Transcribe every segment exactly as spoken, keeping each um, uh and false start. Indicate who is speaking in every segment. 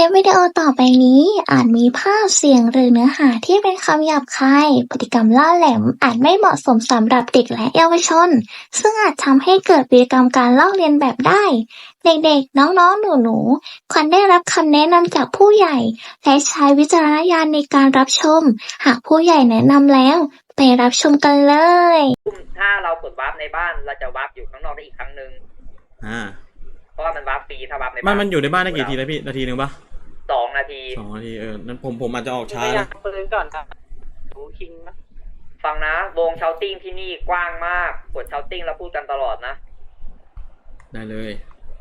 Speaker 1: ลิปวิดีโอต่อไปนี้อาจมีภาพเสียงหรือเนื้อหาที่เป็นคำหยาบคายพฤติกรรมล่าแหลมอาจไม่เหมาะสมสำหรับเด็กและเยาวชนซึ่งอาจทำให้เกิดพฤติกรรมการลอกเลียนแบบได้เด็กๆน้องๆหนูๆควรได้รับคำแนะนำจากผู้ใหญ่และใช้วิจารณญาณในการรับชมหากผู้ใหญ่แนะนำแล้วไปรับชมกันเลย
Speaker 2: ถ้าเรากดวาร์ปในบ้านเราจะวาร์ปอยู่ข้างนอกได้อีกครั้งหนึ่ง
Speaker 3: อ่า
Speaker 2: เพราะว่ามันวาร์ปฟรีถ้าวาร์ปในบ้าน
Speaker 3: มันมันอยู่ในบ้านได้กี่ทีแล้วพี่นาทีหนึ่งปะ
Speaker 2: สองนาที
Speaker 3: สองนาทีเออนั้นผมผมอาจจะออกช้านะ
Speaker 2: ปืนก่อนครับดูคิงนะฟังนะวงเชาติ้งที่นี่กว้างมากกดเชาติ้งแล้วพูดกันตลอดนะ
Speaker 3: ได้เลย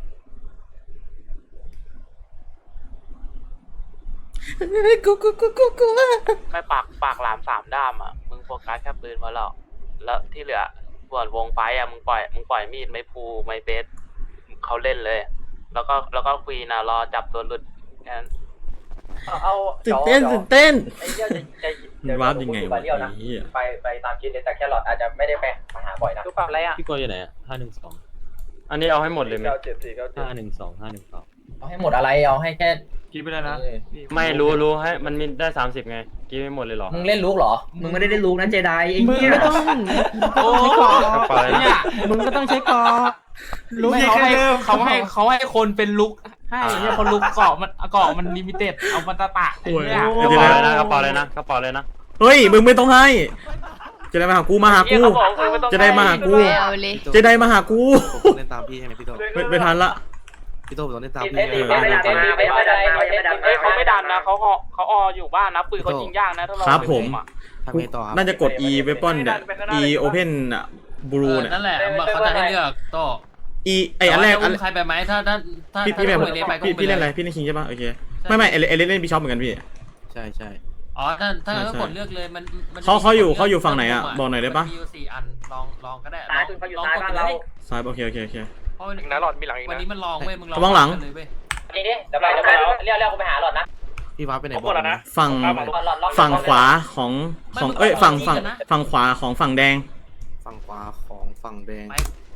Speaker 3: กูกูกูกูกู
Speaker 4: ไม่ปากปากหลามสามด้ามอ่ะมึงโฟกัสแค่ปืนพอแล้วแล้วที่เหลือส่วนวงไฟอ่ะมึงปล่อยมึงปล่อยมีดไม้พูไม้เบสเขาเล่นเลยแล้วก็แล้วก็คุยนะรอจับตัวหลุดแค่นั้น
Speaker 2: เอา
Speaker 3: ตื่นเต้นตื่นเต้น
Speaker 2: ไอ้เหี้ยจะจะ
Speaker 3: มันวาร์ปยังไงวะ
Speaker 2: ไปไปตามคิดเลยแต่แค่หลอดอาจจะไม่ได้ไปมาหาบ่อยนะดูปรับอะไรอ่ะ
Speaker 5: พี่กออยู่ไหนอ่ะห้าหนึ่งสอง
Speaker 6: อันนี้เอาให้หมดเลยไหม
Speaker 5: ห้าหนึ่งสองห้าหนึ่งสอง
Speaker 2: เอาให้หมดอะไรเอาให้แค่
Speaker 6: กินไปได้นะไม่รู้รู้ให้มันมีได้สามสิบไงกินไม่หมดเลยหรอ
Speaker 2: มึงเล่นลูกหรอมึงไม่ได้เล่นลูกนะเจไดไอ้
Speaker 5: เหี้ยมึงไม่ต้องโอ้เนี่ยมึงก็ต้องใช้กอ
Speaker 6: ลูกเขาให้
Speaker 5: เขาให้เขาให้คนเป็นลุกให้เนี่ยคนลุกเกาะมันเกาะมันลิมิเต็ดเอามันตะตะ
Speaker 6: เนี่ยกระเป๋าเลยนะกระเป๋าเลยนะกระเป๋าเลยนะ
Speaker 3: เฮ้ยมึงไม่ต้องให้จะได้มาหากูมาหากูจะได้มาหากูจะได้มาหากู
Speaker 5: เล่นตามพี่ใช่ไหมพี่โต
Speaker 3: ไม่ทันละ
Speaker 5: พี่โตต้องเล่นตามพี่
Speaker 2: ไม่ไม่ดันไม่ไม่ดัน
Speaker 4: เขาไม่ดันนะเขาเขาออยู่บ้านนะปืนเขายิงยากนะถ้าเรา
Speaker 3: ครับผมน่าจะกด E weapon เนี่ย E open อ่ะบลูเนี่ย
Speaker 5: นั่นแหละเขาจะให้เลือกโต
Speaker 3: E ไออันแรกอัน
Speaker 5: ใครไปไหมถ้าถ้าถ้า
Speaker 3: พี่พี่แบบพี่พี่เล่นอะไรพี่เล่นคิงใช่ป่ะโอเคไม่ไม่เอเลเล่นเล่นบิชอปเหมือนกันพี่
Speaker 5: ใช่ใช่อ๋อถ้าถ้าก็กดเลือกเลยมัน
Speaker 3: เขาเขาอยู่เขาอยู่ฝั่งไหนอ่ะบอกหน่อยได้ป่ะ
Speaker 5: มีอยู่สี่อันลองลองก็ได้
Speaker 2: ลองลองกดเลย
Speaker 3: ซ้ายโอเคโอเคโอเค
Speaker 4: อีกนะหลอดมีหลังอีกนะ
Speaker 5: วันนี้มันลองเว้ยมึงลอง
Speaker 3: ระวังหลัง
Speaker 2: นี่ดิเดี๋ยวไปเดี๋ยวไปเรียกเรียกกูไปหาหลอดนะ
Speaker 5: พี่ว้าไปไหน
Speaker 4: บอกนะ
Speaker 3: ฝั่งฝั่งขวาของของเอ้ยฝั่งฝั่งฝั่งขวาของฝั่งแดง
Speaker 5: ฝั่งขวาของฝั่งแดง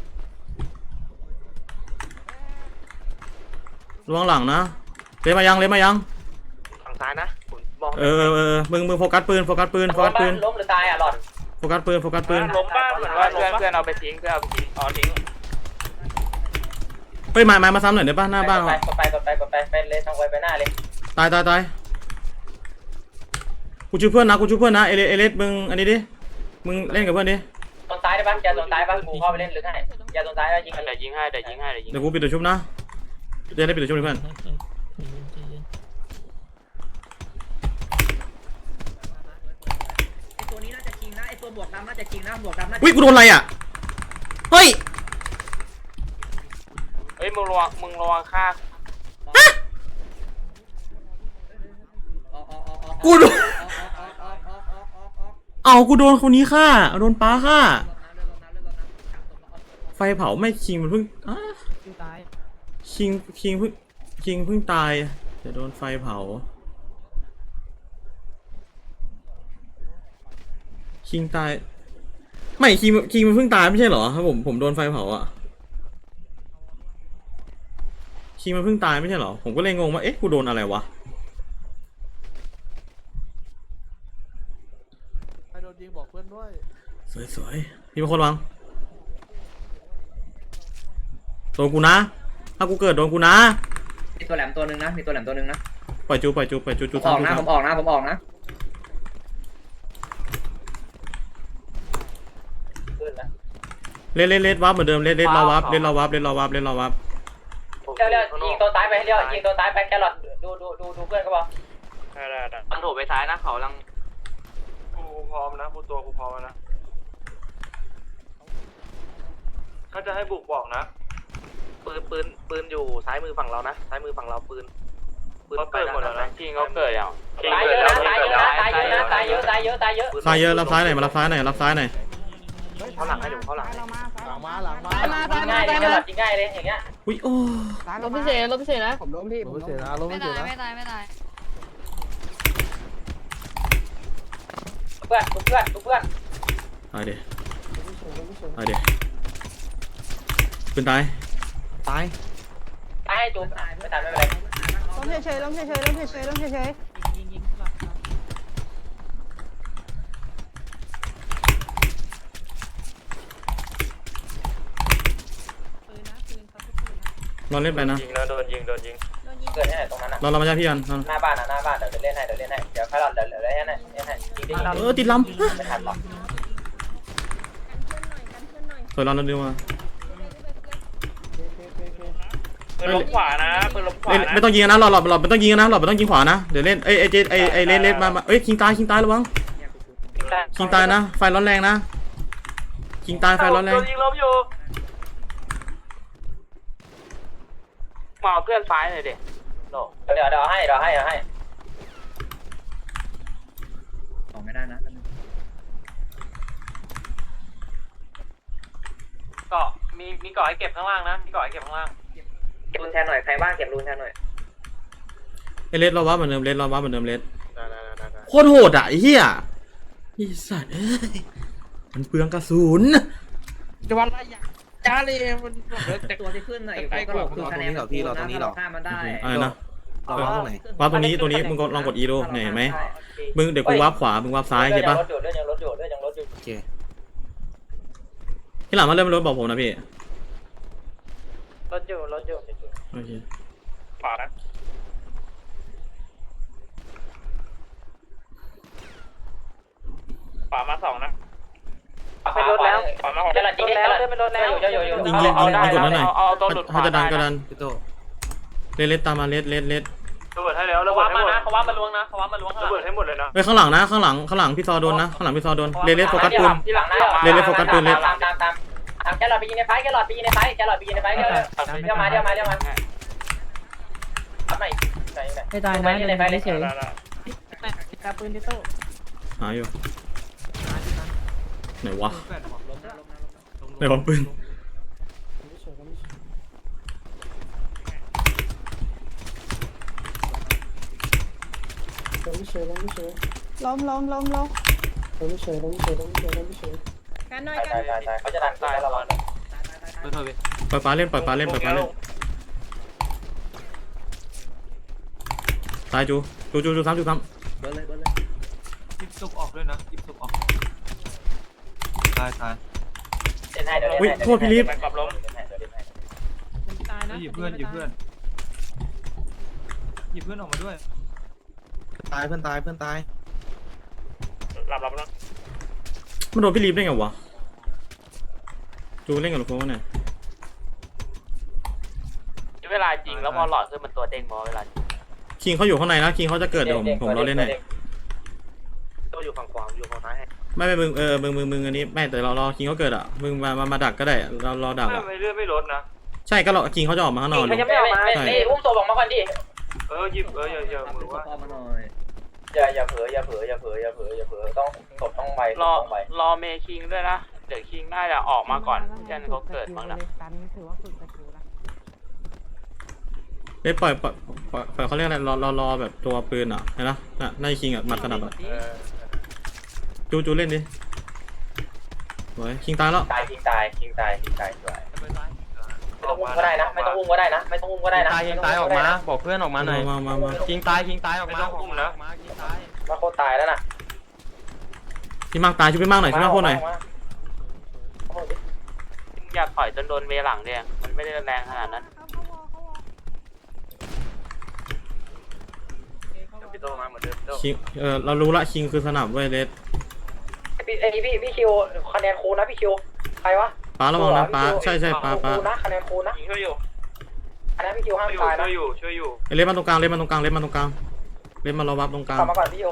Speaker 3: ระวังหลังนะเลี้ยมายังเลี้ยมายัง
Speaker 4: ฝั่งซ้ายนะ
Speaker 3: เออเออมึงมึงโฟกัสปืนโฟกัสปืนโฟกัสปืน
Speaker 2: ล้มหรือตายอ่ะหลอด
Speaker 3: โฟกัสปืนโฟกัสปืน
Speaker 4: ล้มบ้านเหมือนว่าเพื่อนเพื่อนเอาไปทิ้งเพื่อนเอาไปทิ้งอ๋อทิ้ง
Speaker 3: เฮ้ยมามามาซ้ำหน่อยได้ป่ะหน้าบ้าน
Speaker 2: กดไปกดไปกดไปไปเลยทางไวไปหน้าเลย
Speaker 3: ตายตายตายกูช่วยเพื่อนนะกูช่วยเพื่อนนะเอเลเอเลสมึงอันนี้ดิมึงเล่นกับเพื่อนดิ
Speaker 2: ตรงซ้ายได้ป่ะอย่าตรงซ้ายป่ะกูเข้าไปเล่นหรือไงอย่าตรงซ้ายแล้วยิง
Speaker 4: เดี๋ยวยิงให้เดี๋ยวยิงให้เดี๋ยวยิง
Speaker 3: เดี๋ยวกูปิดตัวชุบนะเดี๋ยวได้ปิดตัวชุบเพื่อน
Speaker 2: ไอตัวนี้น่าจะคิงนะไอตัวบวกดำน่าจะคิงนะบวกดำน่าจะ
Speaker 3: อุ้ยกูโดนอะไรอ่ะเฮ้ย
Speaker 4: เฮ้ยมึงระวังมึงระวังฆ่า
Speaker 3: กูโดนเอากูโดนคนนี้ฆ่าโดนป้าฆ่าไฟเผาไม่คิงมันเพิ่งคิงคิงเพิ่งคิงเพิ่งตายจะโดนไฟเผาคิงตายไม่คิงคิงมันเพิ่งตายไม่ใช่เหรอครับผมผมโดนไฟเผาอ่ะคิงมันเพิ่งตายไม่ใช่เหรอผมก็เลยงงว่าเอ๊ะกูโดนอะไรวะ
Speaker 5: ใครโดนยิงบอกเพื่อนด้วย
Speaker 3: สวยๆพี่เป็นคนวางโดนกูนะถ้ากูเกิดโดนกูนะ
Speaker 2: มีตัวแหลมตัวนึงนะมีตัวแหลมตัวนึงนะ
Speaker 3: ปล่อยจูปล่อยจูปล่อยจูจู
Speaker 2: ออกนะผมออกนะผมออกนะ
Speaker 3: เล่นเล่นเล่นวับเหมือนเดิมเล่นเล่นรอวับเล่นรอวับเล่นรอวับเล่นรอวับ
Speaker 2: เลี้ยวเลี้ยวยิงตัวซ้ายไปเลี้ยวยิงตัวซ้ายไปแครอทดูดูดูดูเพื่อนก็พอ
Speaker 4: ได้ได้ได้
Speaker 2: มันถูกไปซ้ายนะเขาลัง
Speaker 4: กูพร้อมนะกูตัวกูพร้อมนะเขาจะให้บุกบอกนะปืนปืนปืนอยู่ซ้ายมือฝั่งเรานะซ้ายมือฝั่งเราปืนปืนเขาเกิดหมดแล้วนะคิงเขาเกิดอย่าง
Speaker 2: ตายเยอะนะตายเยอะนะตายเยอะนะตายเยอะตายเยอะตายเยอะ
Speaker 3: ตายเยอะรับซ้ายหน่อยมารับซ้ายหน่อยรับซ้ายหน่อย
Speaker 4: เขาหลังให้ดูเขาหลัง
Speaker 5: หลังมาหลังมา
Speaker 2: ยิงง่ายเลยยิงง่ายเลยอย่างเงี้ย
Speaker 3: อุ้ยโอ้
Speaker 7: ลบพิเศษลบพิเศษนะ
Speaker 5: ผมล้มที่ผมล้มพิเศษนะล้มพิเศษนะ
Speaker 7: ไม่ตายไม่ตาย
Speaker 2: เพื่อนเพื่อนเพื่อน
Speaker 3: ตายเดี๋ยวตายเดี๋ยวปืนตาย
Speaker 5: ตาย
Speaker 2: ตายให้จูบไม่ตายไม่เป็นไร
Speaker 7: มเฉยๆล้มเฉยๆล้มเฉยๆล้มเฉย
Speaker 3: เราเล่นไปนะ
Speaker 6: ยิงแล้วโดนยิงโดนยิง
Speaker 2: เกิดที่ไหนตรงนั้นอ่ะ
Speaker 3: เราเรามาใช่พี่กัน
Speaker 2: หน้าบ้านอ่ะหน้าบ้านเดี๋ยวเล่นให้เดี๋ยวเล่นให้เดี๋ยวค่อยรอเดี๋ยวเดี๋ยวเล่นให้เล่นให้ยิงได้ยิง
Speaker 3: เออติดล
Speaker 2: ไม่ทันหรอก
Speaker 3: ำสวยเราเราดูมา
Speaker 4: ปืนล้มขวานะปืนล้มขวา
Speaker 3: เล่น
Speaker 4: นะ
Speaker 3: ไม่ต้องยิงนะหลอดหลอดหลอดไม่ต้องยิงนะหลอดไม่ต้องยิงขวานะเดี๋ยวเล่นเอ้ยเอ้ยเจไอ้ไอ้เล่นเล่นมาเอ้ยคิงตายคิงตายระวังคิงตายนะไฟร้อนแรงนะคิงตายไฟร้อนแรง
Speaker 4: โดนยิงล้มอยู่มาเอาเพื่อนซ้ายหน่อยดิโด
Speaker 2: เดี๋ยวเดี๋ยวให้เดี๋ยวให้เดี๋ยวให้
Speaker 8: ของไม่ได้นะ
Speaker 4: เกาะมีมีเกาะให้เก็บข้างล่างนะมีเกาะให้เก็บข้างล่าง
Speaker 2: เก็บรูนแทนหน่อยใครบ้างเก็บรูนแทนหน่อย
Speaker 3: ไอ้เลสเราว่าเหมือนเดิมเลสเราว่าเหมือนเดิมเลส
Speaker 6: ได้ได้ได้ได้
Speaker 3: โคตรโหดอ่ะไอ้เหี้ยไอ้สัตว์เอ้ยมันเปลืองกระสุน
Speaker 5: จะวันละอย่างจ้าเลยมัน
Speaker 8: ตัวที่ขึ้นหน่อยก็คือคะแนนของพี่เราตรงนี้หรอข้ามมันได้
Speaker 3: อะไรนะ
Speaker 8: เราตรงไหน
Speaker 3: วาร์ปตรงนี้ตรงนี้มึงก็ลองกดอีดูเนี่ยเห็นไหมมึงเดี๋ยวกูวาร์ปขวามึงวาร์ปซ้ายเห็นปะ
Speaker 2: รถอยู่เรื่องยังรถอยู่เรื่องยังรถอยู่
Speaker 8: โอเค
Speaker 3: ที่หลังมาเริ่มรถบอกผมนะพี่
Speaker 2: รถอยู่รถอยู่
Speaker 3: โอเค
Speaker 4: ขวานะขวามาสองนะ
Speaker 2: เป็นรถแล้ว
Speaker 4: ขวามาหก
Speaker 2: จะหลัดยิงแล้วเป็นรถแล้วอยู่อยู่อยู่
Speaker 3: ยิงยิงยิงยิงกดนั้นหน่อย
Speaker 4: เอาตัวหลุดข
Speaker 3: ถ้าว
Speaker 4: า
Speaker 3: จะดันก็ดัน
Speaker 8: พี่โต
Speaker 3: เลสเลสตามมาเลสเลสเลส
Speaker 4: ระเบิดให้แล้วระเบิดให้หมดเขาว่ามาล้วงนะเขาว่ามาล้วงระเบิดให้หมดเลยนะ
Speaker 3: เฮ้ยข้างหลังนะข้างหลังข้างหลังพี่ซอโดนนะข้างหลังพี่ซอโดนเลสเลสโฟกัสปืน
Speaker 2: ที่หลังนะ
Speaker 3: เล่นเล่นโฟกัสปืนเล่น
Speaker 2: ตามตามตามตามแกหลอดไปยิงในไฟแกหลอดไปยิงในไฟแกหลอดไปยิงในไฟเดี๋ยวเดี๋ยวมาเดี๋ยวมาเดี๋ยวมาทำไหนไหนไหน
Speaker 7: ไม่ตายนะ
Speaker 2: ในไฟเลยเฉย
Speaker 7: ตาปืนที่โต
Speaker 3: หาอยู่ไหนวะไหนวะปืน
Speaker 7: ล้มล้มล้มล้ม
Speaker 2: กันหน่อยกันเขาจะดันตายเรา
Speaker 3: ปล่อยปลาเล่นปล่อยปลาเล่นปล่อยปลาเล่นตายจูจูจูจูซ้ำจูซ้
Speaker 8: เบิร์เลยเบิร์เลย
Speaker 5: ยิบซุปออกด้วยนะยิบซุปออก
Speaker 8: ตายตาย
Speaker 2: เล่นให้เดี๋ยว
Speaker 3: ำอุ้ยโทษพี่ลิฟ
Speaker 4: ไปกลับล้ม
Speaker 7: ตายนะ
Speaker 5: หยิบเพื่อนหยิบเพื่อนหยิบเพื่อนออกมาด้วย
Speaker 8: ตายเพื่อนตายเพื่อนตาย
Speaker 4: หลับหลับแล้ว
Speaker 3: มันโดนพี่ลิฟได้ไงวะจูเล่นกับลูกโค้งเนี่ย
Speaker 4: เวลาจริงแล้วพอหลอดขึ้นมันตัวเด้งมอเวลา
Speaker 3: คิงเขาอยู่ข้างในนะคิงเขาจะเกิดเดี๋ยวผมผมรอเล่นให้
Speaker 4: ตัวอยู่ฝั่งขวาอยู่ฝั่งซ้าย
Speaker 3: ไม่ไม่มึงเออมึงมึงมึงอันนี้ไม่แต่เรารอคิงเขาเกิดอ่ะมึงมามามาดักก็ได้เรารอดักอ่ะ
Speaker 4: ไม่เลื่อนไม่ลดนะ
Speaker 3: ใช่ก็รอคิงเขาจะออกมาข้างนอก
Speaker 2: ไม่ไม่ไม่ไม่อุ้มตัวบอกมาก่อนดิ
Speaker 4: เออหยิบเอออย่าอย่ามือว่า
Speaker 8: มาหน่อย
Speaker 2: อย่าอย่าเผลออย่าเผลออย่าเผลออย่าเผลออย่าเผลอต้องศพต้องไว
Speaker 4: รอ
Speaker 2: ต้องไว
Speaker 4: รอเมคิงด้วยนะเดี๋ยวคิงน่าจะออกมาก่อนเจนเขาเกิดมั้งนะ
Speaker 7: ตันถือว่าฝึกสกิลนะ
Speaker 3: เล่นปล่อยปล่อยปล่อยปล่อยเขาเรียกอะไรรอรอรอแบบตัวปืนอ่ะเห็นปะน่ะในคิงอ่ะมัดสนับอ่ะจูจูเล่นดิโอ้ยคิงตายแล้ว
Speaker 2: ตายคิงตายคิงตายคิงตายสวยไม่ต้องอุ้มก็ได้นะไม่ต้องอุ้มก็ได้นะไม่ต้องอุ้มก็ได้นะ
Speaker 6: ตายยิงตายออกมาบอกเพื่อนออกมาหน่อย
Speaker 3: มามามา
Speaker 6: ยิงตายยิงตายออกมาบอกเพื่อนออกมายิงตาย
Speaker 2: มาโคตรตายแล้วน่ะ
Speaker 3: พี่มากตายช่วยพี่มากหน่อยช่วยมากโคตรหน่อย
Speaker 4: อยากถอยจนโดนเวหลังเนี่ยมันไม่ได้แรงขนาดนั้นพี่โตมาเหมือนเดิม
Speaker 3: คิงเออเรารู้ละคิงคือสนับเว้ยเลส
Speaker 2: พี่ไอ้พี่พี่คิวคะแนนคูนะพี่คิวใครวะ
Speaker 3: ป้าระวังนะป้าใช่ใช่ป้าป้า
Speaker 2: คูนะคะแนนคูนะ
Speaker 4: ยิงช่วยอยู่
Speaker 2: คะแนนพี่คิวห้ามตายนะ
Speaker 4: ช่วยอยู่ช่วยอยู่
Speaker 3: เล่นมาตรงกลางเล่นมาตรงกลางเล่นมาตรงกลางเล่นมารอวับตรงกลาง
Speaker 2: กลับมาก่อนพี่คิว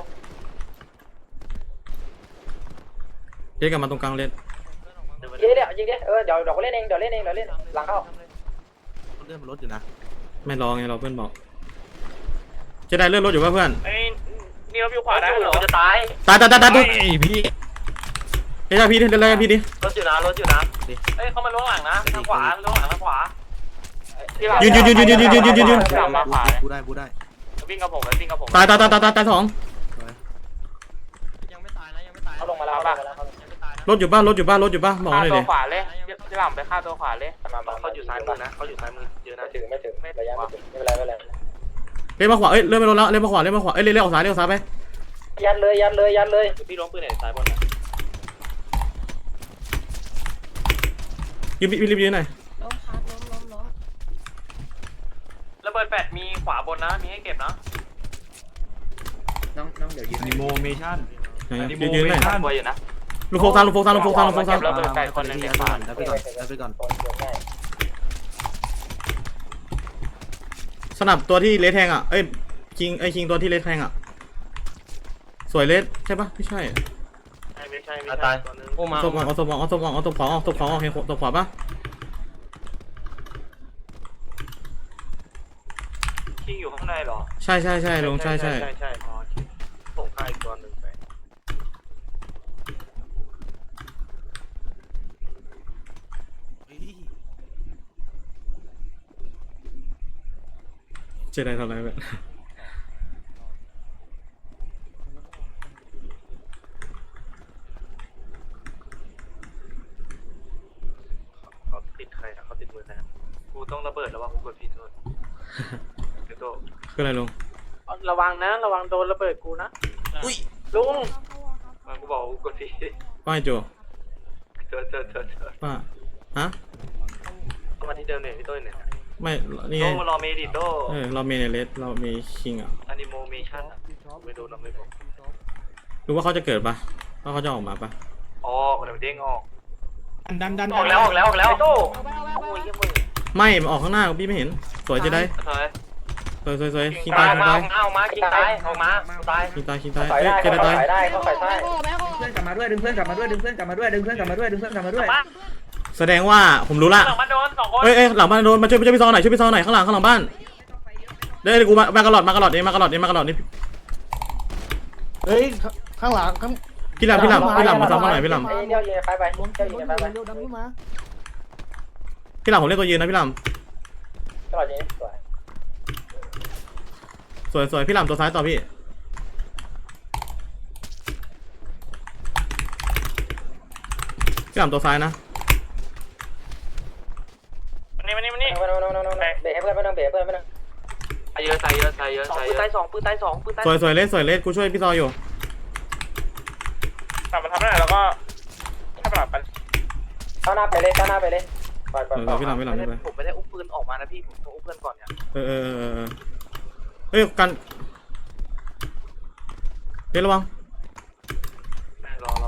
Speaker 3: เล่นกลับมาตรงกลางเล่น
Speaker 2: ยิงดิยิงดิเออเดี๋ยวเดี๋ยวเล่นเองเดี๋ยวเล่นเองเดี๋ยวเล่นหลังเข้า
Speaker 8: เลื่อนมันรถอยู่นะ
Speaker 3: ไม่รอไงเราเพื่อนบอกจะได้เลื่อนรถอยู่ป่ะเพื่อน
Speaker 4: ไอ้นี่เราอยู่ขวาได้เหรอ
Speaker 2: จะตาย
Speaker 3: ตายตายตายตายตาย
Speaker 8: พี่
Speaker 3: เฮ้ยพี่ดิเล่นพี่ดิ
Speaker 4: รถอยู่นะรถอยู่นะเอ้ยเขามาล้วงหลังนะทางขวาล้วงหลังทางขวา
Speaker 3: ยืนยืนยืนยืนยืนยืนยืนยืนยืนยืน
Speaker 4: กลับมาขวา
Speaker 8: กูได้กูได้
Speaker 4: วิ่งกับผมไปวิ่งกับผม
Speaker 3: ตายตายตายตายตายตายสอง
Speaker 6: ยังไม่ตายนะยังไม่ตาย
Speaker 2: เขาลงมาแล้วป่ะ
Speaker 6: ยังไม่ตายนะ
Speaker 3: รถอยู่บ้านรถอยู่บ้านรถอยู่บ้านบอก
Speaker 4: ฆ่า
Speaker 3: หน่อย
Speaker 4: ตั
Speaker 3: ดิ
Speaker 4: วขวาเลยที่หลังไปฆ่าตัวขวาเลย
Speaker 2: มามา
Speaker 4: เขาอยู่ซ้ายมือนะเขาอยู่ซ้ายมือเยอะนะ
Speaker 2: ไม่ถึงไม่ถึงระยะไม่ถึงไม่เป็นไรไม่เป็นไร
Speaker 3: เพล่นมาขวาเอ้ยเล่นไปโดนแล้วเล่นมาขวาเล่นมาขวาเอ้ยเล่นเล่นออกซ้ายเล่นออกซ้ายไป
Speaker 2: ยัดเลยยัดเลยยัดเลย
Speaker 6: พี่ล้มปืนไหนซ้ายบนอ่ะ
Speaker 3: ยืมรีบยืนหน่อย
Speaker 7: ล้มครับล้มล้มล้ม
Speaker 4: ระเบิดแปดมีขวาบนนะมีให้เก็บนะ
Speaker 8: น้องน้องเดี๋ยวยืน
Speaker 5: อนิโมเมชั่น
Speaker 3: ยืนยืนหน่อย
Speaker 4: กลัวอยู่นะ
Speaker 3: ลูกโฟกซานลูกโฟกซานลูกโฟกซานลูกโฟกซาน
Speaker 4: ระเบิดแปดคนนึงเก็บขวา
Speaker 8: รับไปก่อนรับไปก่อน
Speaker 3: สนับตัวที่เลสแทงอ่ะเอ้ยคิงไอ้คิงตัวที่เลสแทงอ่ะสวยเลสใช่ปะไม่ใช่
Speaker 4: ไม่ใช่ไม่
Speaker 6: อ่ะ
Speaker 4: ใช่
Speaker 6: ตายอุ้มมา
Speaker 3: เอาศพออกเอาศพออกเอาศพออกเอาศพขวาออกศพขวาออกเห็นศพขวาปะ
Speaker 4: คิงอยู่ข้างในเหรอ
Speaker 3: ใช่ใช่ใช่ลงใช่ใช่
Speaker 4: ใช่ใช่พอส่งข้าอีกตัวหนึ่งไป
Speaker 3: เจไดทำอะไรแบบ
Speaker 4: เขาติดใครนะเขาติดมือใครนะกูต้องระเบิดแล้วว่ากูกดผิดโทษเดี๋ยวโต
Speaker 3: คืออะไรลง
Speaker 2: ระวังนะระวังโดนระเบิดกูนะลุง
Speaker 4: มันกูบอกกูกดผิด
Speaker 3: ป้าไอ้โจ
Speaker 4: เจอเจอเจอเจอ
Speaker 3: ป้าฮะ
Speaker 4: เข้ามาที่เดิมเนี่ยพี่โต้เนี่ย
Speaker 3: ไม่นี่
Speaker 4: โต
Speaker 3: ไง
Speaker 4: มารอเมดิโต
Speaker 3: เออเรามีในเลสเรามีคิงอ่ะ
Speaker 4: อนิโมเมชั่นไม่โดนเราไม่บอก
Speaker 3: รู้ว่าเขาจะเกิดปะว่าเขาจะออกมาปะ
Speaker 4: อ๋อเดี๋ยวเด้งออก
Speaker 5: ดันดัน
Speaker 4: ออกแล้วออกแล้วออกแล้วโต
Speaker 3: ไม่มันออกข้างหน้าพี่ไม่เห็นสวยเจได
Speaker 4: เฮ้ย
Speaker 3: สวยสวยสวยคิง
Speaker 4: ตา
Speaker 3: ตาย ยคิง
Speaker 4: มา
Speaker 3: ตาย
Speaker 4: เอามากินตายออกมาตาย
Speaker 3: คิงตายคิงตาย
Speaker 2: ต่อย
Speaker 3: เอ้ย
Speaker 2: ได้
Speaker 3: เจไดตาย
Speaker 2: ต่อยได้เขาต่อยได้
Speaker 8: เพื่อนกลับมาด้วยดึงเพื่อนกลับมาด้วยดึงเพื่อนกลับมาด้วยดึงเพื่อนกลับมาด้วยดึงเพื่อนกลับมาด้วย
Speaker 3: แสดงว่าผมรู้ละ
Speaker 4: หลังมันโดนสองคน
Speaker 3: เอ้ยเอ้ยหลังบ้านโดนมาช่วยช่วยพี่ซอหน่อยช่วยพี่ซอหน่อยข้างหลังข้างหลังบ้านเดี๋ยวเดี๋ยวกูมามากระหลอดมากระหลอดเองมากระหลอดเองมากระหลอดนี่
Speaker 9: เฮ้ยข้างหลังข้าง
Speaker 3: พี่หลับพี่หลับพี่หลับมาซ้ำมาหน่อยพี่หลับ
Speaker 2: เดี๋ยวยิงไฟไป
Speaker 9: บน
Speaker 2: เดี๋ยวยิงไฟไป
Speaker 9: เร็วดันขึ้นมา
Speaker 3: พี่หลับผมเล่นตัวยืนนะพี่หลับ
Speaker 2: ตลอดยิงสวย
Speaker 3: สวยสวยพี่หลับตัวซ้ายต่อพี่พี่หลับตัวซ้ายนะ
Speaker 4: มานี่มานี่มานี่
Speaker 2: ไม่ต้องไม่ต้องไม่ต้องเบรกให้เพื่อนไม่ต้องเบรกเพื่อนไม่ต้อง
Speaker 4: ตายเยอะตายเยอะตายเยอะตายเยอะปืนตายสองปืนตายสองปืนตาย
Speaker 3: สวยสวยเลสสวยเลสกูช่วยพี่ซออยู่
Speaker 4: กลับมาทำได้แล้วก็ให้ปรับไป
Speaker 2: เข้าหน้าไปเลยเข้าหน้าไปเลยปล่อยปล่อย
Speaker 3: เอ
Speaker 2: ปล่
Speaker 3: อ
Speaker 2: อย
Speaker 3: พี่หลับพี่หลับไม่ไป
Speaker 4: ผมไม่ได้อุ้มปืนออกมานะพี่ผมต้องอุ้มเพื่อนก่อนเนี่ย
Speaker 3: เออเออเออเออเฮ้ยกันเลสระวัง
Speaker 4: รอรอ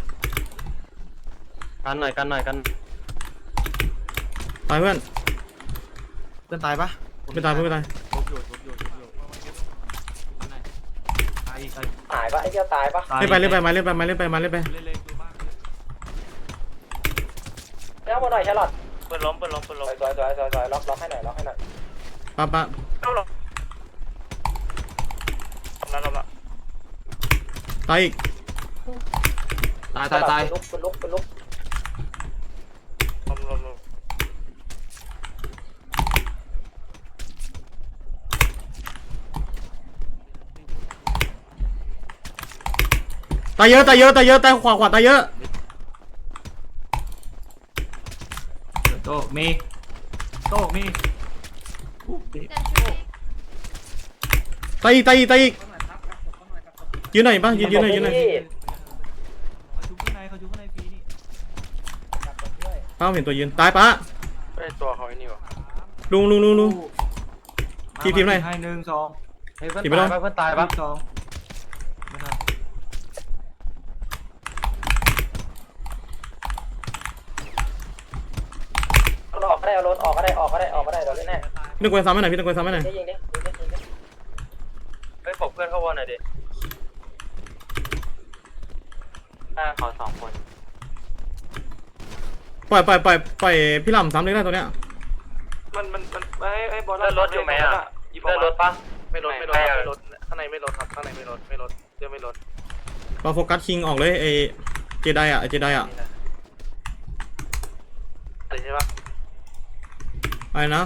Speaker 6: กันหน่อยกันหน่อยกัน
Speaker 3: ตายเพื่อน
Speaker 8: เพื่อนตายปะ
Speaker 3: ไม่ตายเพื่อนไม่ตาย
Speaker 2: หายปะไอ้เจ้าตายปะ
Speaker 3: เล่นไปเล่นไปมาเล่นไปมาเล่นไปมาเล่นไป
Speaker 2: เจ้ามาหน่อยชาร์ลอต
Speaker 4: ปืนล้มปืนล้มปืน
Speaker 2: ส
Speaker 4: ล้ม
Speaker 2: วยสวยสวยสวยสวยล็อกล็อกให้หน่อยล็อกให้หน่อย
Speaker 3: ป้าป้า
Speaker 4: เข้าหรอทำแล้วทำแล้ว
Speaker 3: ตายอีก
Speaker 6: ตายตายตาย
Speaker 2: ลุกเป็นลุกเป็นลุก
Speaker 4: ล้มล้มล้ม
Speaker 3: ตายเยอะตายเยอะตายเยอะตายขวาขวาตายเยอะ
Speaker 5: โตมีโตมี
Speaker 3: ตายอีกตายอีกตายอีกยืนหน่อยป่ะยืนยืนหน่อยยืนหน่อย
Speaker 5: เขาชุบข้างในเขาชุบข้างในฟรีนี่
Speaker 3: ป้าเห็นตัวยืนตายป้า
Speaker 4: ไอ้ตัวเขาไอ้นี่วะ
Speaker 3: ลุงลุงลุงลุง ทีมทีมไหน
Speaker 5: ให้หนึ่งสอง
Speaker 6: เฮ้ยเพื่อน
Speaker 3: ขี่ไปแล้
Speaker 6: ตายว ปะเพื่อนตายปะ
Speaker 5: สองไม่ทัน
Speaker 2: ออกก็ได้เอารถออกก็ได้ออกก็ได้ออกก็ได้เดี๋ยวเล่นแน่
Speaker 3: พี่ตะโกนซ้ำให้หน่อยพี่ตะโกนซ้ำให้หน่อย
Speaker 2: ยิงดิยิงดิยิงดิยิงดิ
Speaker 6: เฮ้ยปกเพื่อนเข้าวอลหน่อยดิหน้าเขาสองคน
Speaker 3: ปล่อยปล่อยปล่อยปล่อยพี่ลำซ้ำเลยได้ตัวเนี้ย
Speaker 4: มันมันมันไอ้ไอ้บอล
Speaker 6: เลื่อนรถอยู่ไหมอ่ะเลื่อนรถปะ
Speaker 4: ไม่ลดไม่ลดไม่ลดข้างในไม่ลดครับข้างในไม่ลดไม่ลดเรื่องไม่ลด
Speaker 3: เราโฟกัสคิงออกเลยไอเจไดอะไอเจไดอะ
Speaker 4: อะไรใช่ปะ
Speaker 3: อะไรนะ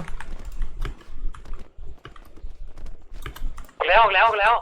Speaker 4: ออกแล้วออกแล้วออกแล้ว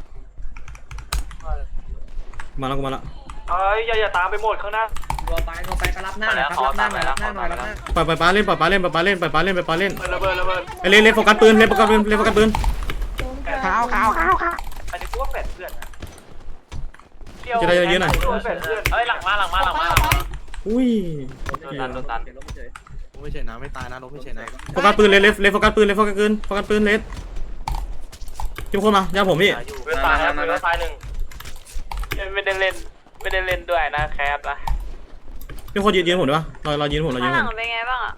Speaker 3: มาแล้วกูมาแล้ว
Speaker 4: เอ้ยอย่าอย่าตามไปหมดข้างหน้า
Speaker 8: รัวไปรัวไปก็รับหน้าหน่อยครับรับหน้าหน่อยรับหน้าหน่อยรับหน้า
Speaker 3: ปล่อยปล่อยป้าเล่นปล่อยป้าเล่นปล่อยป้าเล่นปล่อยป้าเล่นปล่อยป้าเล่น
Speaker 4: ระเบิดระเบิด
Speaker 3: ไอเล่นเล่นโฟกัสปืนเล่นโฟกัสปืนเล่นโฟกัสปืน
Speaker 4: แอ
Speaker 7: ขาวขาวขาวขาว
Speaker 2: อันนี้กูว่าแปดเพื่อนนะ
Speaker 3: จะได้เยอะๆหน่อย
Speaker 2: แปดเพื่อนเฮ้ยหลังมาหลังมาหลังมาหลังมา
Speaker 3: อุ้ย
Speaker 4: โดนตันโดนตัน
Speaker 8: ลบไม่เฉยลบไม่เฉยนะไม่ตายนะลบไม่เฉยนะ
Speaker 3: โฟกัสปืนเลยเลฟเลฟโฟกัสปืนเลฟโฟกัสปืนโฟกัสปืนเลฟจิ้มคนมาย่าผมพี่
Speaker 4: ปืนตายนะปืนตายหนึ่งไม่ได้เล่นไม่ได้เล่นด้วยนะแคปนะ
Speaker 3: พี่คนยืนยืนผมได้ปะเราเรายืนผมเรายืนผม
Speaker 10: เป็นไงบ้างอ่ะ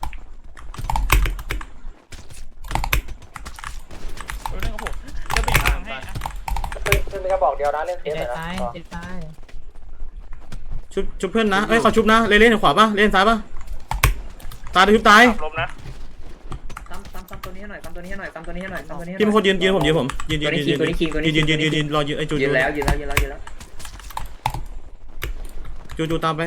Speaker 5: เรื่องของผมจะไปทางให้นะ
Speaker 2: ปืนปืนเป็นกระบอกเดียวนะเล่นเซฟหน่อยนะ
Speaker 3: ชุบชุบเพื่อนนะเอ้ยขอชุบนะเลนเลนขวาปะเลนซ้ายปะตายชุบตาย
Speaker 4: ลมนะ
Speaker 8: ซ้ำซ้ำซ้ำตัวนี้ให้หน่อยซ้ำตัวนี้ให้หน่อยซ้ำตัวนี้ให้หน่อยซ้ำตัวนี้ให้หน่อย
Speaker 3: พี่เป็นคนยืนยืนผมยืนผมยืนยืนยืนยืนยืนยืนยืนยืนรอยืนไอ้จู
Speaker 8: ยื
Speaker 3: จู
Speaker 8: นแล้วยืนแล้วยืนแล้วยืนแล้ว
Speaker 3: จูจูตามไป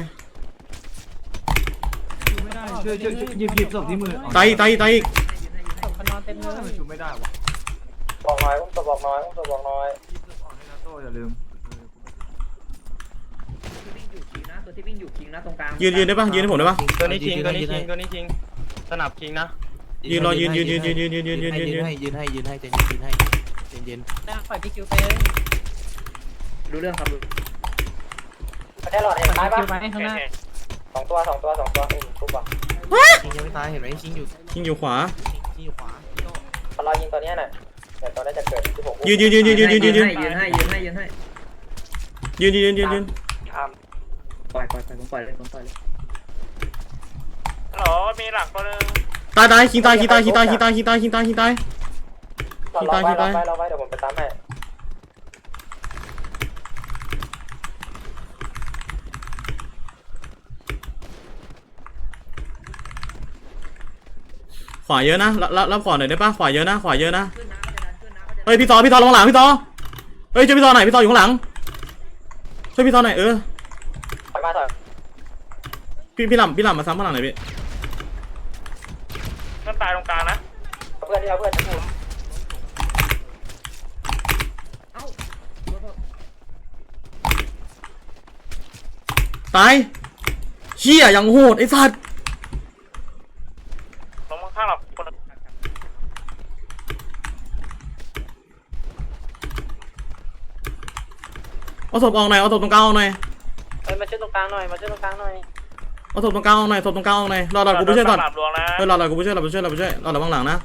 Speaker 5: ช่วยช่วยหยิบหยิบศพที่มือ
Speaker 3: ตายตายตายอีก
Speaker 7: มันนอนเต็มเลย
Speaker 5: ชุบไม่ได้วะ
Speaker 2: บอกน้อยอุ้มตัวบอกน้อยอุ้มตัวบอกน้อย
Speaker 5: อย่าลืม
Speaker 8: ตัวที่วิ่งอยู่คิงนะตัวที่วิ่งอยู่คิงนะตรงกลาง
Speaker 3: ยืนยืนได้ปะยืนให้ผมได้ปะ
Speaker 6: ตัวนี้คิงตัวนี้คิงตัวนี้คิงสนับคิงนะ
Speaker 3: ยืนรอยืนยืนยืนยืนยืนยืนยืนยืนยืนยืน
Speaker 8: ให้ยืนให้ยืนให้ใจเย็นยืนให้ใจเย็น
Speaker 7: ปล่อยพี่คิวไป
Speaker 8: รู้เรื่องครับ
Speaker 2: แค่หลอดเห็นตายปะ
Speaker 7: คิวไปข้างหน้า
Speaker 2: สองตัวสองตัวสองตัวอุ้มทุบป่ะ
Speaker 8: คิงยังไม่ตายเห็นไหมคิงอยู่
Speaker 3: ยิงอยู่ขวา
Speaker 8: คิงอยู่ขวา
Speaker 2: เขารอยิงตัวนี้หน่อยเดี๋ยวตัวนี้จะเกิดที่ผม
Speaker 3: ยืนยืนยืนยืนยืนยืนยืนยืน
Speaker 8: ยืนให้ยืนให้ยืนให้
Speaker 3: ยืนยืนยืนยืนยืน
Speaker 8: ปล่อยปล่อยปล่อยผมปล่อยเลยผมปล่อยเลย
Speaker 4: หรอมีหลักตัวนึง
Speaker 3: ตายตายคิงตายคิงตายคิงตายคิงตายคิงตายคิงตายคิงตาย
Speaker 2: รอไว้รอไว้รอไว้เดี๋ยวผมไปตามให้
Speaker 3: ขวาเยอะนะรับรับขวาหน่อยได้ปะขวาเยอะนะขวาเยอะนะ
Speaker 8: ขึ้นน้ำก็จะดันขึ้นน้ำก็จะ
Speaker 3: เฮ้ยพี่ต่อพี่ต่อลงหลังพี่ต่อเฮ้ยช่วยพี่ต่อหน่อยพี่ต่ออยู่ข้างหลังช่วยพี่ต่อหน่อยเออ
Speaker 2: ถอยมาถอย
Speaker 3: พี่พี่หล่ำพี่หล่ำมาซ้ำข้างหลังหน่อยพี่
Speaker 4: นั่นตายตรงกลางนะ
Speaker 2: เพื่อนที่เราเพื่อนที่ผม
Speaker 8: เอ้า
Speaker 3: ตายเชี่ยอย่างโหดไอ้สัตว์
Speaker 4: ลงข้างหลับคน
Speaker 3: เอาศพออกหน่อยเอาศพตรงกลางออกหน่อย
Speaker 2: เฮ้ยมาช่วยตรงกลางหน่อยมาช่วยตรงกลางหน่อย
Speaker 3: เอาศพตรงกลางออกหน่อยศพตรงกลางออกหน่อยรอรอกูไปช่วยก่อน
Speaker 4: หลับดวงนะ
Speaker 3: เฮ้ยรอรอกูไปช่วยรอไปช่วยรอไปช่วยรอระวังหลังนะ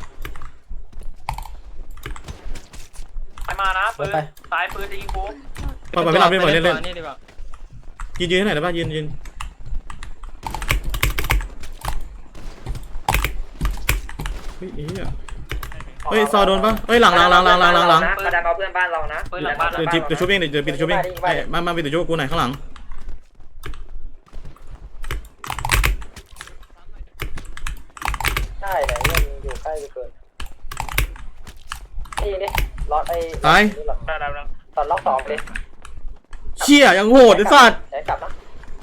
Speaker 4: ไปมานะปืนซ้ายปืนจะยิงกู
Speaker 3: ปล่อยปล่อยพี่หล่ำพี่ปล่อยเล่นเล่น
Speaker 6: นี่ดีกว่า
Speaker 3: ยืนยืนให้หน่อยได้ปะยืนยืนเฮ้ยไอ้เหี้ยเฮ้ยซอโดนปะเฮ้ยหลังหลังหลังหลังหลังหลังหลัง
Speaker 8: กระดานเอาเพื่อนบ้านเรานะ
Speaker 4: ปืนหลังบ้าน
Speaker 3: เดี๋ยวจิบเดี๋ยวชุบเองเดี๋ยวเดี๋ยวปิดเดี๋ยวชุบเองไอ้มามาปิดเดี๋ยวชุบกูหน่อยข้างหลัง
Speaker 2: ใช่ไหนเนี่ยอยู่ใกล้ไปเกินนี่นี่ล็อตไอ้
Speaker 3: ตาย
Speaker 4: ได้แล้วนะ
Speaker 2: ตอนล็อกสองเลย
Speaker 3: เชี่ยอย่างโหดไอ้สัตว์
Speaker 2: ใช้กลับนะ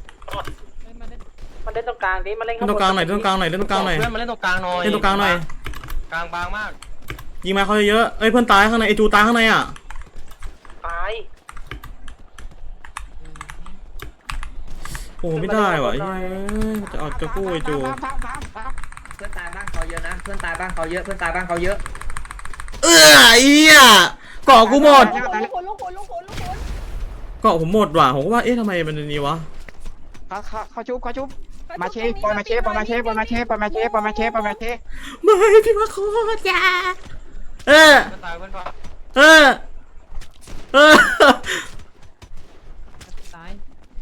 Speaker 2: มันเล่นตรงกลางดิมันเล่น
Speaker 3: เล่นตรงกลางหน่อยเล่นตรงกลางหน่อยเล่นตรงกลางหน่อย
Speaker 6: เพื่อนมาเล่นตรงกลางหน่อย
Speaker 3: เล่นตรงกลางหน่อย
Speaker 6: กลางบางมาก
Speaker 3: ยิงมาเขาเยอะๆเอ้ยเพื่อนตายข้างในไอจูตายข้างในอ่ะ
Speaker 2: ตาย
Speaker 3: โอ้ไม่ได้ว่ะเฮ้ยจะเอาจะกู้ไอจู
Speaker 8: เพื่อนตายบ้างเขาเยอะนะเพื่อนตายบ้างเขาเยอะเพื่อนตายบ้างเขาเยอะ
Speaker 3: เออไอ้เหี้ยเกาะกูหมด
Speaker 7: ลูกคนลูกคนลูกคนลูกคน
Speaker 3: เกาะผมหมดว่ะผมก็ว่าเอ๊ะทำไมมันนี้วะ
Speaker 7: เขาเขาเขาชุบเขาชุบมาเชฟปมาเชฟปมาเชฟปมาเชฟปมาเชฟปมาเชฟปมาเชฟ
Speaker 3: ไม่พี่มาโคตรจ้าเออ
Speaker 6: เพื่อนตายเพื่อนพอ
Speaker 3: เออเออ
Speaker 7: ตาย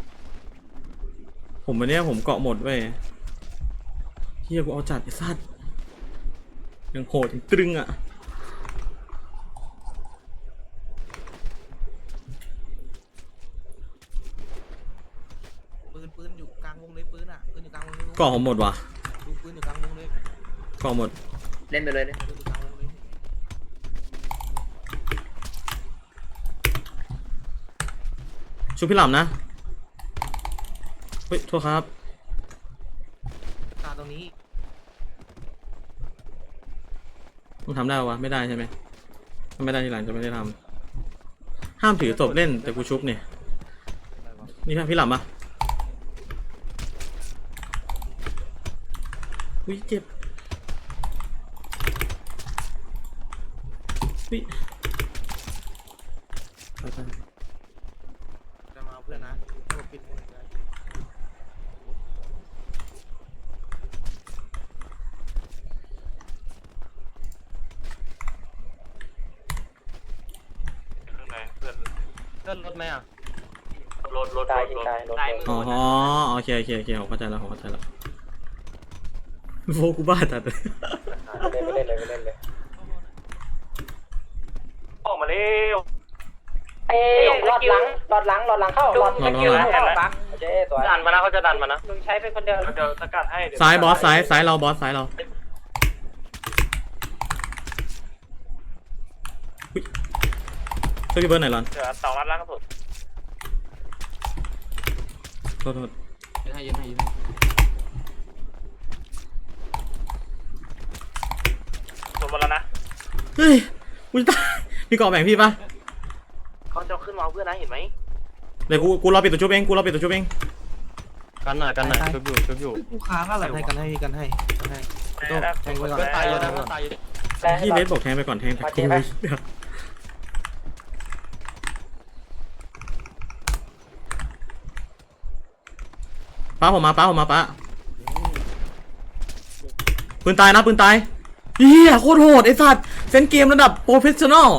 Speaker 3: ผมวันเนี้ยผมเกาะหมดเว้ยเฮียกูเอาจัดไอ้สัตว์ยังโหดยังตรึงอ่ะ
Speaker 8: ปืนปืนอยู่กลางวงเลยปืนอ่ะปืนอยู่กลางวงเลย
Speaker 3: เกาะผมหมดว่ะ
Speaker 8: ดูปืนอยู่กลางวงเลย
Speaker 3: เกาะหมด
Speaker 8: เล่นไปเลยเล่นปืนอยู่กลางวงเลย
Speaker 3: ชูพี่หล่ำนะเฮ้ยโทษครับ
Speaker 8: ตาตรงนี้
Speaker 3: มึงทำได้ปะวะไม่ได้ใช่ไหมถ้าไม่ได้ทีหลังจะไม่ได้ทำห้ามถือศพเล่นแต่กูชุบเนี่ยนี่พี่หล่ำปะอุ้ยเจ็บอุ้ย
Speaker 9: จะมาเอาเพื่อนนะเอาปิดมือเลย
Speaker 6: ข้างในเพื่อนเพื่อนรถไหมอ่ะ
Speaker 4: รถรถ
Speaker 2: ตาย
Speaker 4: รถ
Speaker 2: ตายรถ
Speaker 4: ตาย
Speaker 3: อ๋อโอเคโอเคโอเคผมเข้าใจแล้วผมเข้าใจแล้วโฟกูบ้าจัดเลย
Speaker 2: ไม่เล่นไม่เล่นเลยไม่เล่นเลย
Speaker 4: ออกมาเร็ว
Speaker 2: เอ้ยหลอดหลังหลอดหลังหลอดหลังเข้าหลอดหลังเข้าบักเจ๊ตัว
Speaker 6: ดันมานะเขาจะดันมานะ
Speaker 2: มึงใช้เป็นคนเดียว
Speaker 4: เดี๋ยวสกัดให้เดี๋ยว
Speaker 3: ซ้ายบอสซ้ายซ้ายเราบอสซ้ายเราอุ๊ยช่วยพี่เบิร์ดหน่อยรอน
Speaker 4: เดี๋ยวต่อรัดล่างสุด
Speaker 3: โทษโทษ
Speaker 5: ยืนให้ยืนให้ยืนให้
Speaker 4: ส่วนบนแล้วนะ
Speaker 3: เฮ้ยกูจะตายมีเกาะแบ่งพี่ปะ
Speaker 4: เขาจะขึ้นมาเอาเพื่อนนะเห็นไหม
Speaker 3: เดี๋ยวกูกูรอปิดตัวชุบเองกูรอปิดตัวชุบเอง
Speaker 6: กันหน่อยกันหน่อยชุบอยู่ชุบอยู่
Speaker 9: กูค้างอะไรกันให้กันให้กันให้โต้แทงไว้ก่อน
Speaker 6: เพื่อนตายเยอะนะเพื่อนตายเยอะ
Speaker 3: พี่เลสบอกแทงไปก่อนแทงแต่กูป้าผมมาป้าผมมาป้าปืนตายนะปืนตายเฮียโคตรโหดไอ้สัตว์เซนเกมระดับโปรเฟชชั่นอล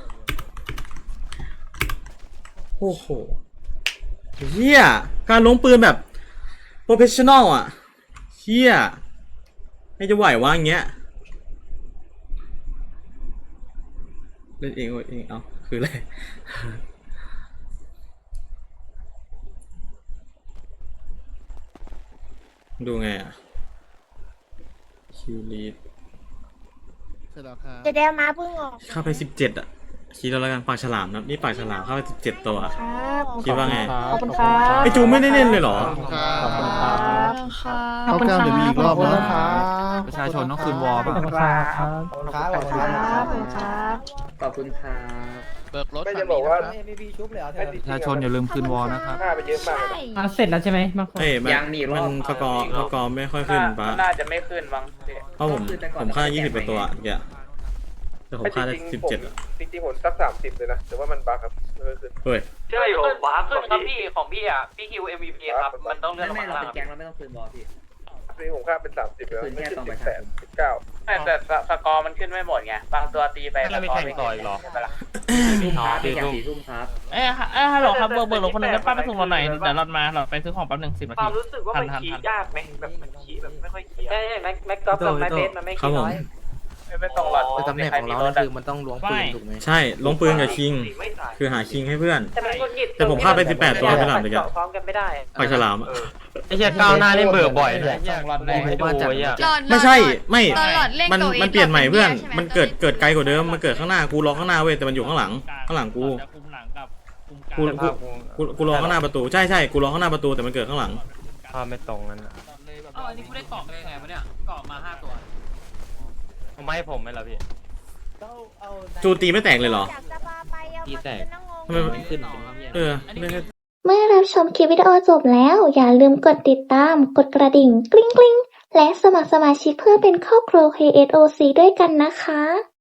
Speaker 3: โอ้โหเฮียการล้มปืนแบบโปรเฟชชั่นอลอ่ะเฮียไม่จะไหววะอย่างเงี้ยเล่นเองเองเอาคืออะไรดูไงอ่ะคิวลีด
Speaker 9: เสร็จแล้วครับ
Speaker 1: จะได้มาเพิ่งออก
Speaker 3: เข้าไปสิบเจ็ดอ่ะคิดแล้วละกันปากฉลามนะนี่ปากฉลามเข้าไปสิบเจ็ดตัว
Speaker 1: ครับ
Speaker 3: คิดว่าไง
Speaker 9: ขอบคุณครับ
Speaker 3: ไอจูไม่ได้เล่นเลยเหรอ
Speaker 9: ขอบคุณครับ
Speaker 1: ค่ะ
Speaker 9: ขอบคุณครับเดี๋ยวมีอีกรอบนะ
Speaker 5: ประชาชนต้องคืนวอลป่ะ
Speaker 9: ขอบคุณครับขอบคุณครับ
Speaker 1: ขอบคุณครับ
Speaker 8: ขอบคุณครับ
Speaker 9: เบิกรถ
Speaker 2: ไม่จะบอกว่า
Speaker 8: ไม่มีชุบเลยเหรอเธอ
Speaker 5: ประชาชนอย่าลืมคืนวอลนะครับ
Speaker 2: ค่าไปเยอะมาก
Speaker 1: ใช่
Speaker 10: เสร็จแล้วใช่ไหมบางคน
Speaker 3: เอ้ยมัน
Speaker 8: ยังมีรอบ
Speaker 3: มันสกอร์สกอร์ไม่ค่อยขึ้นปะ
Speaker 4: น่าจะไม่ขึ้นบ้าง
Speaker 3: เพราะผมผมค่ายี่สิบกว่าตัวเมื่อกี้แต่ผมค่าได้สิบเจ็ดอ่ะ
Speaker 2: จริงๆผมสักสามสิบเลยนะแต่ว่ามันบั๊กครับไม่ขึ้น
Speaker 3: เฮ้ย
Speaker 4: ใช่อยู่บ้าขึ้นครับพี่ของพี่อ่ะพี่คิว เอ็ม วี พี ครับมันต้องเลื่อนลง
Speaker 8: ไม่
Speaker 4: มา
Speaker 8: เรา
Speaker 4: ล่าง
Speaker 8: เป็นแก๊งเราไม่ต้องคืนบอลพี่
Speaker 2: นี่ผมค่าเป็นสามสิบแล้ว
Speaker 8: คืน
Speaker 2: ไม่
Speaker 8: แค่
Speaker 2: ขึ้น
Speaker 8: ตอน
Speaker 2: สิ
Speaker 8: ป
Speaker 2: บ
Speaker 8: ระ
Speaker 2: แป
Speaker 8: ชา
Speaker 2: ด
Speaker 8: ชน
Speaker 2: สิบเก้า
Speaker 4: แต่สกอร์มันขึ้นไม่หมดไงบางตัวตีไป
Speaker 6: แล้วมีแข่งต่ออีกเหรอ
Speaker 4: ใช่ปะล่ะ
Speaker 8: ทุ่มครับพี่แข่งสี่ทุ่มครับ
Speaker 10: เอ้ยเอ้ยฮัลโหลครับเบอร์เบอร์หลงคนหนึงได้ป้าไปส่งเราหน่อยเดี๋ยวเรามาเราไปซื้อของแป๊บหนึ่งสิบนา
Speaker 4: ควา
Speaker 10: ที
Speaker 4: มรู้สึกว่ามัน
Speaker 10: ทัน
Speaker 4: ขี่
Speaker 10: ทัน
Speaker 4: ยากไหมแบบมันขี่แบบไม่ค่อยขี่
Speaker 2: ใช่ใช่แม็กแม็กกอล์ฟกับไม้เบสมันไม่
Speaker 3: ครับ
Speaker 2: คิด
Speaker 3: ผม
Speaker 2: น้อย
Speaker 4: ไม่ต้องหลอด
Speaker 9: แต่ตำแหน่งของเราคือมันต้องล้วงปืนถูกไหม
Speaker 3: ใช่ลงปืนกับคิง คือหาคิงให้เพื่อน
Speaker 2: แต่มันกดหงิด
Speaker 3: แต่ผมฆ่าไปสิบแปดตัวไปหลังเลยอะ
Speaker 2: พร้อมกันไม่ได้
Speaker 3: ปากฉลามอะ
Speaker 6: ไอ้เหี้ยก้าวหน้านี่เบิกบ่อยนะ
Speaker 5: สองรอนแรก
Speaker 6: ไอ้โอ้ยอ่ะ
Speaker 3: ไม่ใช่ไม่
Speaker 10: ตอนหลอดเล่น
Speaker 3: มัน
Speaker 10: โดย
Speaker 3: มันเปลี่ยนใหม่เพื่อน
Speaker 10: ใช่ไหม
Speaker 3: มันเกิดเกิดไกลกว่าเดิมมันเกิดข้างหน้ากูรอข้างหน้าเว้ยแต่มันอยู่ข้างหลังข้างหลังกู
Speaker 10: จะคุมหลังกับคุมกลาง
Speaker 3: กูกูกูกูรอข้างหน้าประตูใช่ใช่กูรอข้างหน้าประตูแต่มันเกิดข้างหลัง
Speaker 6: ภาพไม่ตรงนั้นอะ
Speaker 5: อ๋ออันนี้กูได้เกาะได้ไงวะเนี่ยเกาะมาห้าตัว
Speaker 6: เอาไม่ให้ผมไหมล่ะพี่
Speaker 3: จูตีไม่แตกเลยเหรอ
Speaker 6: ตีแตก
Speaker 3: ทำไมมัน
Speaker 6: ขึ้น
Speaker 3: เออไม่ได้
Speaker 1: เมื่อรับชมคลิปวิดีโอจบแล้ว อย่าลืมกดติดตาม กดกระดิ่งกริ๊งกริ๊งและสมัครสมาชิกเพื่อเป็นครอบครัว เค เอส โอ ซี ด้วยกันนะคะ